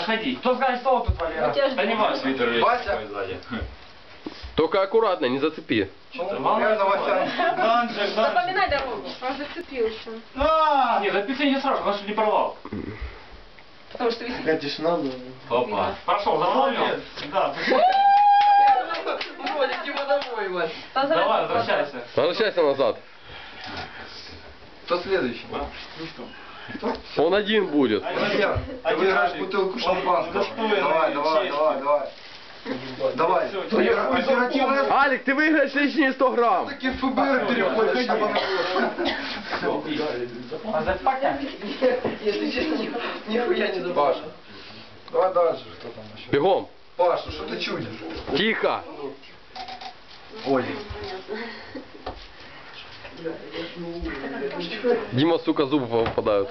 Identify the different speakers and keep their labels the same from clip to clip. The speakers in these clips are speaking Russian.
Speaker 1: заходи. Кто скажет, что тут, Валера? Да не важно.
Speaker 2: Вася.
Speaker 3: Только аккуратно, не зацепи.
Speaker 4: Запоминай дорогу. Он зацепился.
Speaker 1: Нет, записывай не сразу, потому что не порвал.
Speaker 4: Потому что висит.
Speaker 2: Какая тишина, да.
Speaker 1: Опа. Прошел, запомнил? Да.
Speaker 2: Вроде типа домой, Вась.
Speaker 1: Давай, возвращайся.
Speaker 3: Возвращайся назад.
Speaker 2: Кто следующий?
Speaker 3: Он один будет.
Speaker 2: Валер, ты выиграешь бутылку шампанского. Давай, давай, давай, давай. Давай. Оперативная...
Speaker 3: Алик, ты выиграешь лишние 100 грамм.
Speaker 2: Таки ФБР переходишь.
Speaker 1: А за пока?
Speaker 2: Если честно, нихуя не забыл. Паша. Давай дальше, что там еще?
Speaker 3: Бегом.
Speaker 2: Паша, что ты чудишь?
Speaker 3: Тихо.
Speaker 2: Ой.
Speaker 3: Дима, сука, зубы попадают.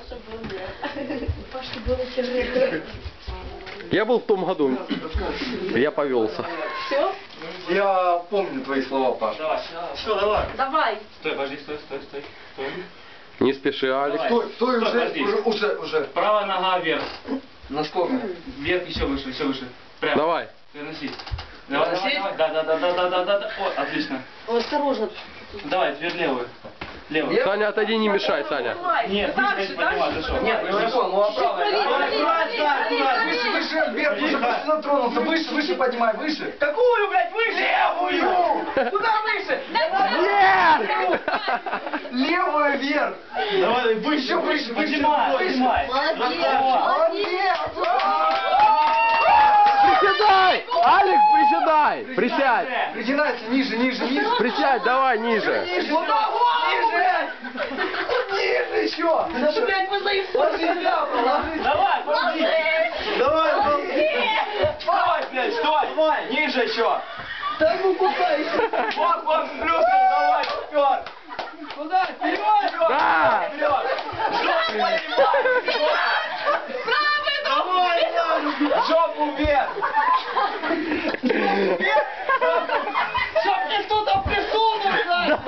Speaker 3: Я был в том году. Я повелся.
Speaker 4: Все?
Speaker 2: Я помню твои слова, Паша.
Speaker 1: Давай. Все, давай.
Speaker 4: Давай.
Speaker 1: Стой, подожди, стой.
Speaker 3: Не спеши, Алик.
Speaker 2: Стой,
Speaker 1: Стой, подожди.
Speaker 2: уже.
Speaker 1: Правая нога вверх.
Speaker 2: Насколько?
Speaker 1: Вверх, еще выше. Прям.
Speaker 3: Давай.
Speaker 1: Переноси. Давай. Да. О, отлично.
Speaker 4: Осторожно.
Speaker 1: Давай, теперь левую. Левую.
Speaker 3: Саня, отойди, не мешай, Саня.
Speaker 1: Нет, выше поднимай, ты что?
Speaker 2: Нет, не понял, ну а правая. Выше, Альберт, уже почти затронулся. Выше поднимай, выше.
Speaker 1: Какую, блядь, выше?
Speaker 2: Левую!
Speaker 1: Куда выше?
Speaker 3: Нет!
Speaker 2: Левую вверх!
Speaker 1: Давай, выше. Поднимай.
Speaker 3: Приседай! Алик, приседай! Присядь!
Speaker 2: Притянайся, ниже.
Speaker 3: Присядь, давай, ниже.
Speaker 2: Ниже еще!
Speaker 4: Ты, блядь, мы заебали.
Speaker 2: Ложись, ложись.
Speaker 1: Давай, подожди. Давай, блядь, стой. Ниже еще.
Speaker 2: Да ну куда еще?
Speaker 1: Вот, плюс, давай, вперед.
Speaker 2: Куда? Вперед!
Speaker 3: Да!
Speaker 1: Вперед. Жопу поднимай. Давай, жопу вверх.
Speaker 2: Чтоб мне кто-то присунул,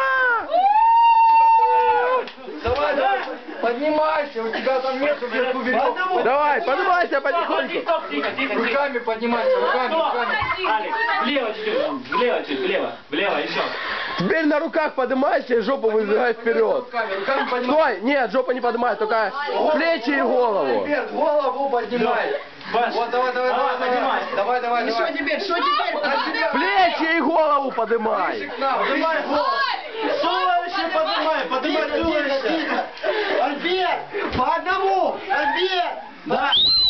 Speaker 2: Давай, поднимайся, у тебя там нету вверху веревки.
Speaker 3: Давай, поднимайся потихоньку.
Speaker 1: Тихо.
Speaker 2: Руками поднимайся, руками.
Speaker 1: Алекс, влево чуть, влево, еще.
Speaker 3: Теперь на руках поднимайся и жопу выдвигай вперед.
Speaker 2: Руками поднимай.
Speaker 3: Стой! Нет, жопу не поднимай, только плечи и голову.
Speaker 2: Альберт, голову поднимай. Вот, давай.
Speaker 1: поднимай.
Speaker 2: Давай.
Speaker 4: Что теперь?
Speaker 3: Плечи и голову поднимай.
Speaker 2: Поднимай голову.
Speaker 1: Туловище поднимай туловище.
Speaker 2: Альберт, по одному. Альберт.
Speaker 1: Да.